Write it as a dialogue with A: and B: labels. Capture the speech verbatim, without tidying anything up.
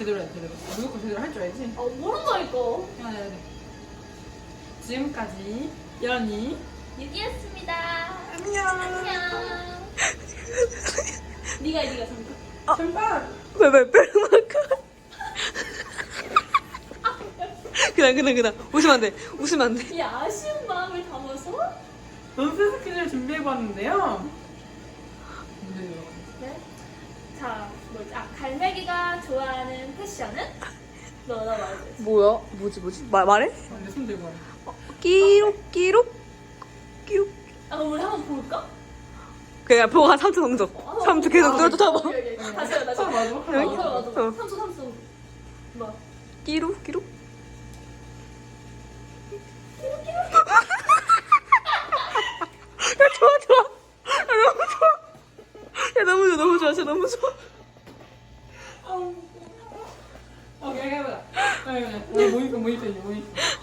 A: 제대로 해, 제대로. 무조건 제대로 할 줄 알지?
B: 아 모른다니까.
A: 해야 돼, 해야 돼. 지금까지 연이
B: 유기였습니다.
A: 안녕.
B: 안녕. 네가 네가 잠깐.
A: 잠깐.
C: 왜왜 뺄만큼 그냥 그냥 그냥 웃으면 안돼 웃으면 안돼
B: 이 아쉬운 마음을 담아서.
A: 논스 스킨을 준비해봤는데요. 문제 들어가.
B: 네. 자 뭐지? 아 갈매기가 좋아하는 패션은? 너나 말해줘.
C: 뭐야 뭐지 뭐지 말 말해
A: 근데 손 들고 와.
C: 끼룩 끼룩 끼룩
B: 아 우리 한번 볼까?
C: 그냥 보고 한 삼 초 정적 삼 초 계속 뚫어 쫓아봐
B: 오케이, 오케이. 다시 해요 다시.
A: 아, 맞아.
B: 어,
C: 여기?
B: 맞아 맞아.
C: 어.
B: 삼 초 삼 초. 뭐?
C: 끼룩 끼룩 야 좋아 좋아 야 너무 좋아 야 너무 좋아 너무 좋아 진짜 너무 좋아
A: 오케이, 해보자. 모니터, 모니터, 모니터.